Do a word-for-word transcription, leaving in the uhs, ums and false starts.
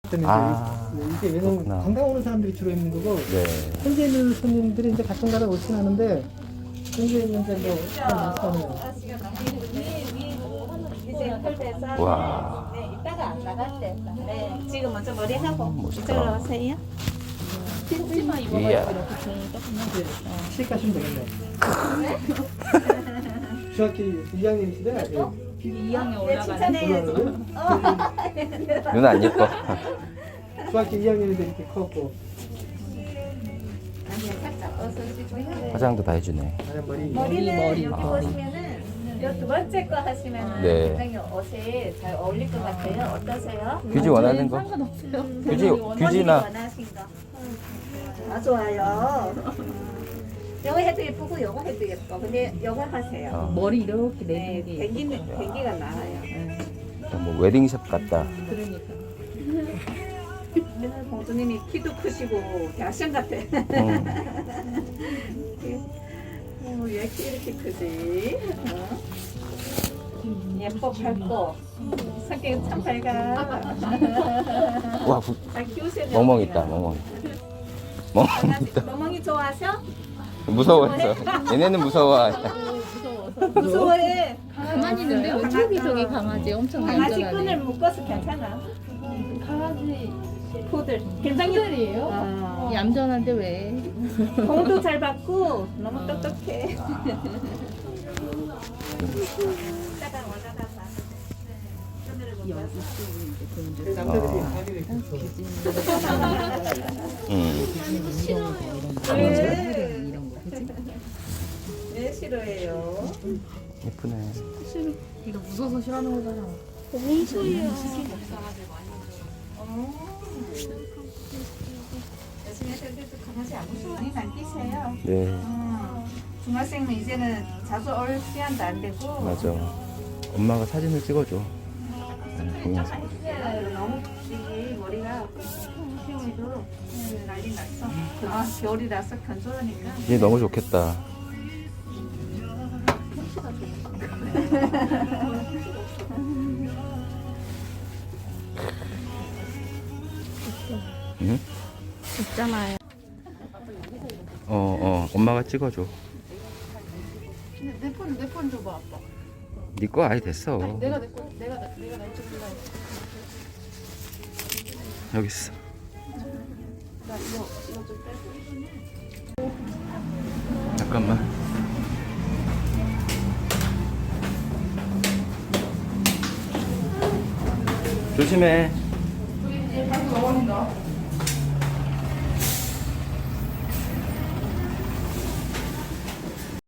때문에 아, 이제 왜냐면 그렇구나. 관광 오는 사람들이 주로 있는 거고 네. 현재 있는 손님들이 이제 가끔가다 오긴 하는데 현재 있는 이제 뭐 마스터는 이제 홀대서 와. 네, 이따가 안 나갈 때. 네, 지금 먼저 머리 하고 멋있다. 이쪽으로 오세요. 치마 입어가지고 이야. 이렇게 좋은 조금만 시식하시면 되겠네요. 중학교 이 학년이시대? 이 학년 네, 올라가는 칭찬해야지. 눈 안 예뻐. 중학교 이 학년인데 이렇게 컸고 아니요, 살짝 어서주고요. 화장도 다 해주네. 아니 머리 머리는 머리, 여기 머리. 보시면은 요 두 번째 거 하시면 네. 굉장히 옷에 잘 어울릴 것 같아요. 어떠세요? 규지 원하는 거? 상관없어요. 규지, 본인이 규지나. 원하신 거. 아 좋아요. 요거 해도 예쁘고 요거 해도 예뻐. 근데 요거 하세요. 어. 머리 이렇게 네, 내는 게 댕기는 댕기가 나와요. 뭐 웨딩샵 같다. 그러니까 오늘 공주님이 키도 크시고 대학생 같아. 응. 어, 왜 이렇게 이렇게 크지? 어? 예뻐 밝고 성격이 참 밝아. 와, 부, 잘 키우세요. 멍멍 있다, 멍멍. 멍멍 있다. 멍멍이 좋아하셔? 무서워해서. 얘네는 무서워. 무서워서 무서워해. 가만히 있는데 왜 저기 저기 강아지 엄청 강아지 끈을 얌전하네. 묶어서 괜찮아. 강아지 푸들. 굉장히 푸들이에요? 어. 얌전한데 왜? 공도 잘 받고 너무 똑똑해. 이따가 와다가 봐. 그 남자들이 자기를 그렇죠. 응. 왜? 이런 거 그치? 왜 싫어해요? 예쁘네. 이거 무서워서 싫어하는 거잖아. 어. 열심히 해서 그래도 강아지 안 무서워니 안 뛰세요. 네, 음, 중학생은 이제는 자주 올 시간도 안 되고. 맞아. 엄마가 사진을 찍어줘. 응, 동영상. 네, 너무 이 머리가 키우기도 난리 났어. 아, 겨울이라서 건조하니까. 얘 너무 좋겠다. 응? 있잖아요. 어, 어, 엄마가 찍어줘. 내 폰 내 폰 줘봐 아빠. 네 거 아예 됐어. 내가 내 거 내가 내- 내가 날 찍을라. 여기 있어. 나 이거 이거 좀 빼고. 잠깐만. 조심해. 이제 방금 넘어진다.